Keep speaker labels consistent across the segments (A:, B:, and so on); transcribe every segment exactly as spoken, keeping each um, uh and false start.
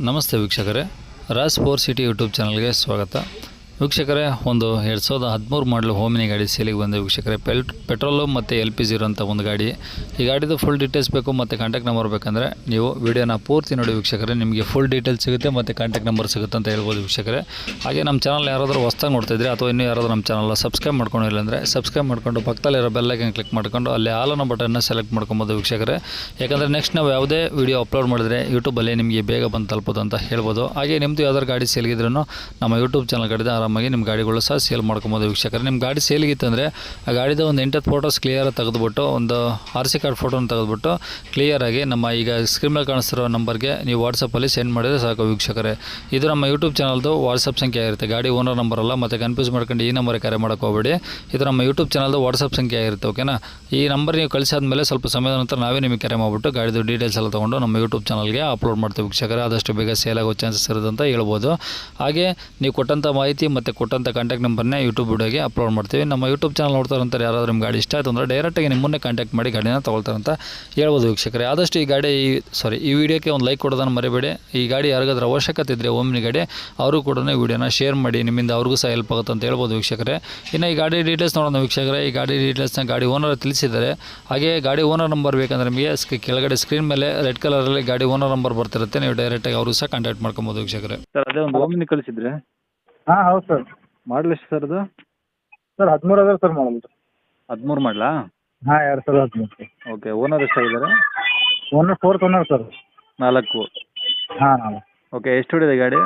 A: ನಮಸ್ತೆ ವೀಕ್ಷಕರೇ, Raj four city YouTube ಚಾನಲ್ಗೆ ಸ್ವಾಗತ. ವೀಕ್ಷಕರೇ, ಒಂದು ಎರಡು ಸಾವಿರದ ಹದಿಮೂರು ಮಾಡಲು ಹೋಮಿನಿ ಗಾಡಿ ಸೇಲಿಗೆ ಬಂದ ವೀಕ್ಷಕರೇ. ಪೆಲ್ ಪೆಟ್ರೋಲು ಮತ್ತು ಎಲ್ ಪಿ ಜಿ ಇರೋಂಥ ಒಂದು ಗಾಡಿ. ಈ ಗಾಡಿದು ಫುಲ್ ಡೀಟೇಲ್ಸ್ ಬೇಕು ಮತ್ತು ಕಾಂಟ್ಯಾಕ್ಟ್ ನಂಬರ್ ಬೇಕಂದರೆ ನೀವು ವಿಡಿಯೋನ ಪೂರ್ತಿ ನೋಡಿ ವೀಕ್ಷಕರೇ. ನಿಮಗೆ ಫುಲ್ ಡೀಟೇಲ್ಸ್ ಸಿಗುತ್ತೆ ಮತ್ತು ಕಾಂಟ್ಯಾಕ್ಟ್ ನಂಬರ್ ಸಿಗುತ್ತೆ ಅಂತ ಹೇಳ್ಬೋದು ವೀಕ್ಷಕರೇ. ಹಾಗೆ ನಮ್ಮ ಚಾನಲ್ ಯಾರಾದರೂ ಹೊಸ್ದಾಗಿ ನೋಡ್ತಿದ್ರೆ ಅಥವಾ ಇನ್ನೂ ಯಾರಾದರೂ ನಮ್ಮ ಚಾನಲ್ನ ಸಬ್ಸ್ಕ್ರೈಬ್ ಮಾಡ್ಕೊಂಡಿಲ್ಲ ಅಂದರೆ ಸಬ್ಸ್ಕ್ರೈಬ್ ಮಾಡ್ಕೊಂಡು ಪಕ್ಕದಲ್ಲಿರೋ ಬೆಲ್ಲೈಕನ್ ಕ್ಲಿಕ್ ಮಾಡ್ಕೊಂಡು ಅಲ್ಲಿ ಆಲ್ ಅನ್ನೋ ಬಟನ್ನ ಸೆಲೆಕ್ಟ್ ಮಾಡ್ಕೊಬೋದು ವೀಕ್ಷಕರೇ. ಯಾಕಂದರೆ ನೆಕ್ಸ್ಟ್ ನಾವು ಯಾವುದೇ ವಿಡಿಯೋ ಅಪ್ಲೋಡ್ ಮಾಡಿದ್ರೆ ಯೂಟ್ಯೂಬಲ್ಲಿ ನಿಮಗೆ ಬೇಗ ಬಂದು ತಲುಪೋದು ಅಂತ ಹೇಳ್ಬೋದು. ಹಾಗೆ ನಿಮ್ಮದು ಯಾವ್ದಾದ್ರು ಗಾಡಿ ಸೇಲ್ಗಿದ್ರೂ ನಮ್ಮ ಯೂಟ್ಯೂಬ್ ಚಾನಲ್ ಕಡೆ ಆರಾಮಾಗಿ ನಿಮ್ಮ ಗಾಡಿಗಳು ಸಹ ಸೇಲ್ ಮಾಡ್ಕೊಬೋದು ವೀಕ್ಷಕರೇ. ನಿಮ್ಮ ಗಾಡಿ ಸೇಲ್ಗಿತ್ತಂದರೆ ಆ ಗಾಡಿದ ಒಂದು ಎಂಟತ್ತು ಫೋಟೋಸ್ ಕ್ಲಿಯರಾಗಿ ತೆಗೆದುಬಿಟ್ಟು ಒಂದು ಆರ್ ಸಿ ಕಾರ್ಡ್ ಫೋಟೋನ ತೆಗೆದುಬಿಟ್ಟು ಕ್ಲಿಯರಾಗಿ ನಮ್ಮ ಈಗ ಸ್ಕ್ರೀನ್ ಮೇಲೆ ಕಾಣಿಸ್ತಿರೋ ನಂಬರ್ಗೆ ನೀವು ವಾಟ್ಸಪ್ಪಲ್ಲಿ ಸೆಂಡ್ ಮಾಡಿದರೆ ಸಾಕು ವೀಕ್ಷಕರೇ. ಇದು ನಮ್ಮ ಯೂಟ್ಯೂಬ್ ಚಾನಲ್ದು ವಾಟ್ಸಪ್ ಸಂಖ್ಯೆ ಆಗಿರುತ್ತೆ, ಗಾಡಿ ಓನರ್ ನಂಬರ್ ಅಲ್ಲ. ಮತ್ತು ಕನ್ಫ್ಯೂಸ್ ಮಾಡ್ಕೊಂಡು ಈ ನಂಬರ್ಗೆ ಕರೆ ಮಾಡೋಕೆ ಹೋಗಬೇಡಿ. ಇದು ನಮ್ಮ ಯೂಟ್ಯೂಬ್ ಚಾನಲ್ದು ವಾಟ್ಸಪ್ ಸಂಖ್ಯೆ ಆಗಿರುತ್ತೆ, ಓಕೆನಾ. ಈ ನಂಬರ್ ನೀವು ಕಳಿಸಾದ್ಮೇಲೆ ಸ್ವಲ್ಪ ಸಮಯದ ನಂತರ ನಾವೇ ನಿಮಗೆ ಕರೆ ಮಾಡಿಬಿಟ್ಟು ಗಾಡಿದು ಡೀಟೇಲ್ಸ್ ಎಲ್ಲ ತೊಗೊಂಡು ನಮ್ಮ ಯೂಟ್ಯೂಬ್ ಚಾನಲ್ಗೆ ಅಪ್ಲೋಡ್ ಮಾಡ್ತೀವಿ ವೀಕ್ಷಕರೇ. ಆದಷ್ಟು ಬೇಗ ಸೇಲ್ ಆಗೋ ಚಾನ್ಸಸ್ ಇರುತ್ತೆ ಅಂತ ಹೇಳ್ಬೋದು. ಹಾಗೆ ನೀವು ಕೊಟ್ಟಂಥ ಮಾಹಿತಿ ಮತ್ತು ಕೊಟ್ಟಂಥ ಕಾಂಟ್ಯಾಕ್ಟ್ ನಂಬರ್ನೇ ಯೂಟ್ಯೂಬ್ ವಿಡಿಯೋಗೆ ಅಪ್ಲೋಡ್ ಮಾಡ್ತೀವಿ. ನಮ್ಮ ಯೂಟ್ಯೂಬ್ ಚಾನಲ್ ನೋಡ್ತಾರಂತಾರೆ ಯಾರಾದರೂ ನಿಮ್ಮ ಗಾಡಿ ಇಷ್ಟ ಆಯಿತು ಅಂದರೆ ಡೈರೆಕ್ಟಾಗಿ ನಿಮ್ಮನ್ನೇ ಕಾಂಟ್ಯಾಕ್ಟ್ ಮಾಡಿ ಗಾಡಿನ ತೊಗೊಳ್ತಾರಂತ ಹೇಳ್ಬೋದು ವೀಕ್ಷಕರೇ. ಆದಷ್ಟು ಈ ಗಾಡಿ ಈ ಸಾರಿ ಈ ವಿಡಿಯೋಕ್ಕೆ ಒಂದು ಲೈಕ್ ಕೊಡೋದನ್ನು ಮರಿಬೇಡಿ. ಈ ಗಾಡಿ ಯಾರಿಗಾದ್ರೂ ಅವಶ್ಯಕತೆ ಇದ್ದರೆ ಓಮ್ನಿ ಗಾಡಿ ಅವರು ಕೂಡ ವಿಡಿಯೋನ ಶೇರ್ ಮಾಡಿ, ನಿಮ್ಮಿಂದ ಅವ್ರಿಗೂ ಸಹ ಹೆಲ್ಪ್ ಆಗುತ್ತೆ ಅಂತ ಹೇಳ್ಬೋದು ವೀಕ್ಷಕರೇ. ಇನ್ನು ಈ ಗಾಡಿ ಡೀಟೇಲ್ಸ್ ನೋಡೋಣ ವೀಕ್ಷಕರೇ. ಈ ಗಾಡಿ ಡೀಟೇಲ್ಸ್ನ ಗಾಡಿ ಓನರ್ ತಿಳಿಸಿದ್ದಾರೆ. ಹಾಗೆ ಗಾಡಿ ಓನರ್ ನಂಬರ್ ಬೇಕಂದ್ರೆ ನಿಮಗೆ ಕೆಳಗಡೆ ಸ್ಕ್ರೀನ್ ಮೇಲೆ ರೆಡ್ ಕಲರಲ್ಲಿ ಗಾಡಿ ಓನರ್ ನಂಬರ್ ಬರ್ತಿರುತ್ತೆ, ನೀವು ಡೈರೆಕ್ಟಾಗಿ ಅವರು ಸಹ ಕಾಂಟ್ಯಾಕ್ಟ್ ಮಾಡ್ಕೊಬೋದು ವೀಕ್ಷಕರೇ.
B: ಸರ್ ಅದೇ ಒಂದು ಓಮಿನಿ ಕಳಿಸಿದ್ರೆ.
C: ಹಾಂ ಹೌದು ಸರ್.
B: ಮಾಡಲ್ ಎಷ್ಟು ಸರ್ ಅದು?
C: ಸರ್ ಹದಿಮೂರು ಅದ ಸರ್ ಮಾಡಲ್.
B: ಹದಿಮೂರು ಮಾಡಲಾ?
C: ಹಾಂ ಎರಡು ಸಾವಿರದ ಹದಿಮೂರು ಸರ್.
B: ಓಕೆ, ಓನರ್ ಎಷ್ಟಾಗಿದ್ದಾರೆ?
C: Owner fourth owner sir.
B: ನಾಲ್ಕು.
C: ಹಾಂ ನಾಲ್ಕು.
B: ಓಕೆ, ಎಷ್ಟು ಹೊಡಿದೆ ಗಾಡಿ?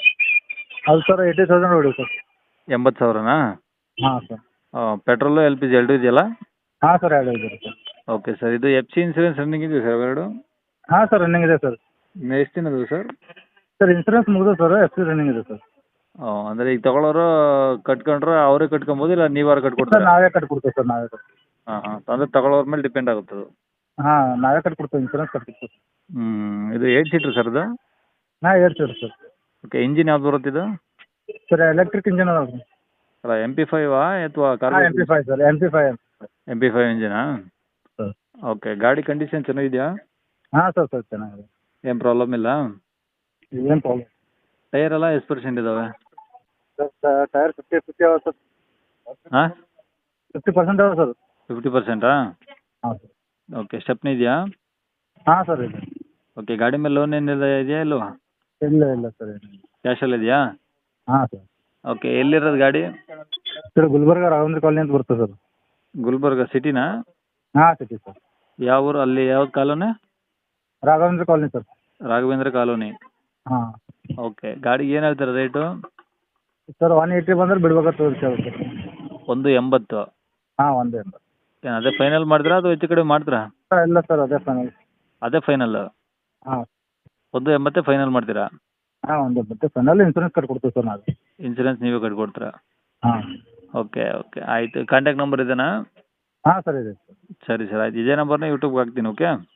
C: ಅದು ಸರ್ ಏಯ್ಟಿ ತೌಸಂಡ್ ಹೊಡಿ ಸರ್.
B: ಎಂಬತ್ತು ಸಾವಿರನಾ?
C: ಹಾಂ sir.
B: Petrol L P G ಎರಡು ಇದೆಯಲ್ಲ?
C: ಹಾಂ ಸರ್ ಎರಡು ಇದೆ ಸರ್.
B: ಓಕೆ ಸರ್, ಇದು ಎಫ್ ಸಿ ಇನ್ಸೂರೆನ್ಸ್ ರನ್ನಿಂಗ್ ಇದೆಯಾ ಸರ್ ಎರಡು?
C: ಹಾಂ ಸರ್ ರನ್ನಿಂಗ್ ಇದೆ ಸರ್.
B: ಇನ್ನು ಎಷ್ಟು ದಿನ ಅದು ಸರ್?
C: ಸರ್ ಇನ್ಸೂರೆನ್ಸ್ ಮುಗಿದು ಸರ್, ಎಫ್ ಸಿ ರನ್ನಿಂಗ್ ಇದೆ ಸರ್.
B: ಹಾಂ, ಅಂದರೆ ಈಗ ತೊಗೊಳೋರು ಕಟ್ಕೊಂಡ್ರೆ ಅವರೇ ಕಟ್ಕೊಬೋದು, ಇಲ್ಲ ನೀವಾರು
C: ಸರ್
B: ಕಟ್ಕೊಡ್ತಾರೆ?
C: ನಾವೇ ಕಟ್ಕೊಡ್ತೀವಿ ಸರ್, ನಾವೇ ಕಟ್ಕೊಡ್ತೀವಿ.
B: ಹಾಂ ಹಾಂ, ಅಂದರೆ ತಗೊಳ್ಳೋರ ಮೇಲೆ ಡಿಪೆಂಡ್ ಆಗುತ್ತೆ ಅದು.
C: ಹಾಂ ನಾವೇ ಕಟ್ಕೊಡ್ತೀವಿ, ಇನ್ಸೂರೆನ್ಸ್ ಕಟ್ಕೊಡ್ತೀವಿ.
B: ಹ್ಞೂ, ಇದು ಏಯ್ಟ್ ಸೀಟ್ರ್ ಸರ್ ಅದು?
C: ಹಾಂ eight seat sir.
B: Okay, engine ಯಾವ್ದು ಬರುತ್ತೆ ಇದು?
C: ಸರ್ ಎಲೆಕ್ಟ್ರಿಕ್ ಇಂಜಿನ್ ಅದ ಸರ್.
B: ಅಲ್ಲ, ಎಮ್ ಪಿ ಫೈವಾ ಅಥವಾ ಕಾರ್?
C: ಹಾಂ M P five sir, M P five.
B: M P five ಇಂಜಿನಾ?
C: ಸರ್
B: ಓಕೆ, ಗಾಡಿ ಕಂಡೀಷನ್ ಚೆನ್ನಾಗಿದೆಯಾ?
C: ಹಾಂ ಸರ್ ಸರ್ ಚೆನ್ನಾಗಿದೆ,
B: ಏನು ಪ್ರಾಬ್ಲಮ್ ಇಲ್ಲ?
C: ಏನು ಪ್ರಾಬ್ಲಮ್.
B: ಟೈರ್ ಎಲ್ಲ ಎಷ್ಟು ಪರ್ಸೆಂಟ್ ಇದ್ದಾವೆ?
C: ಸರ್ ಟೈರ್ ಫಿಫ್ಟಿ ಫಿಫ್ಟಿ ಅವ ಸರ್.
B: ಹಾಂ,
C: ಫಿಫ್ಟಿ ಪರ್ಸೆಂಟ್ ಅವ ಸರ್.
B: ಫಿಫ್ಟಿ ಪರ್ಸೆಂಟಾ?
C: ಹಾಂ ಸರ್.
B: ಓಕೆ, ಸ್ಟೆಪ್ನಿ ಇದೆಯಾ?
C: ಹಾಂ ಸರ್ ಇದೆ.
B: ಓಕೆ, ಗಾಡಿ ಮೇಲೆ ಲೋನ್ ಏನಿದೆ ಇದೆಯಾ ಇಲ್ವಾ?
C: ಇಲ್ಲ ಇಲ್ಲ ಸರ್ ಏನಿಲ್ಲ.
B: ಕ್ಯಾಶಲ್ಲಿ ಇದೆಯಾ?
C: ಹಾಂ ಸರ್.
B: ಓಕೆ, ಎಲ್ಲಿರೋದು ಗಾಡಿ?
C: ಸರ್ ಗುಲ್ಬರ್ಗ ರಾಘವೇಂದ್ರ ಕಾಲನಿ ಅಂತ ಬರ್ತದೆ ಸರ್.
B: ಗುಲ್ಬರ್ಗ ಸಿಟಿನಾ?
C: ಹಾಂ ಸಿಟಿ ಸರ್.
B: ಯಾವ ಊರು ಅಲ್ಲಿ, ಯಾವ್ದು colony?
C: Raghavendra colony sir.
B: Raghavendra colony.
C: ಹಾಂ.
B: ಓಕೆ, ಗಾಡಿಗೆ ಏನು ಹೇಳ್ತಾರೆ ರೇಟು?
C: ಸರ್ ಒನ್ ಏಯ್ಟಿ ಬಂದ್ರೆ ಬಿಡ್ಬೇಕಂತ ಸರ್.
B: ಒಂದು ಎಂಬತ್ತು?
C: ಹಾಂ ಒಂದು ಎಂಬತ್ತು.
B: ಏನು ಅದೇ ಫೈನಲ್ ಮಾಡಿದ್ರಾ ಅಥವಾ ಹೆಚ್ಚು ಕಡಿಮೆ ಮಾಡ್ತೀರಾ?
C: ಸರ್ ಇಲ್ಲ ಸರ್ ಅದೇ ಫೈನಲ್.
B: ಅದೇ ಫೈನಲ್?
C: ಹಾಂ.
B: ಒಂದು ಎಂಬತ್ತೇ ಫೈನಲ್ ಮಾಡ್ತೀರಾ?
C: ಹಾಂ ಒಂದು ಎಂಬತ್ತು ಫೈನಲ್. ಇನ್ಸೂರೆನ್ಸ್ ಕಟ್ಕೊಡ್ತೀವಿ ಸರ್ ನಾವು.
B: ಇನ್ಸೂರೆನ್ಸ್ ನೀವೇ ಕಟ್ಕೊಡ್ತೀರಾ?
C: ಹಾಂ.
B: ಓಕೆ ಓಕೆ, ಆಯಿತು. ಕಾಂಟ್ಯಾಕ್ಟ್ ನಂಬರ್ ಇದೆನಾ?
C: ಹಾಂ ಸರ್ ಇದೆ ಸರ್.
B: ಸರಿ ಸರ್, ಆಯ್ತು. ಇದೇ ನಂಬರ್ನ ಯೂಟ್ಯೂಬ್ಗೆ ಹಾಕ್ತೀನಿ. ಓಕೆ.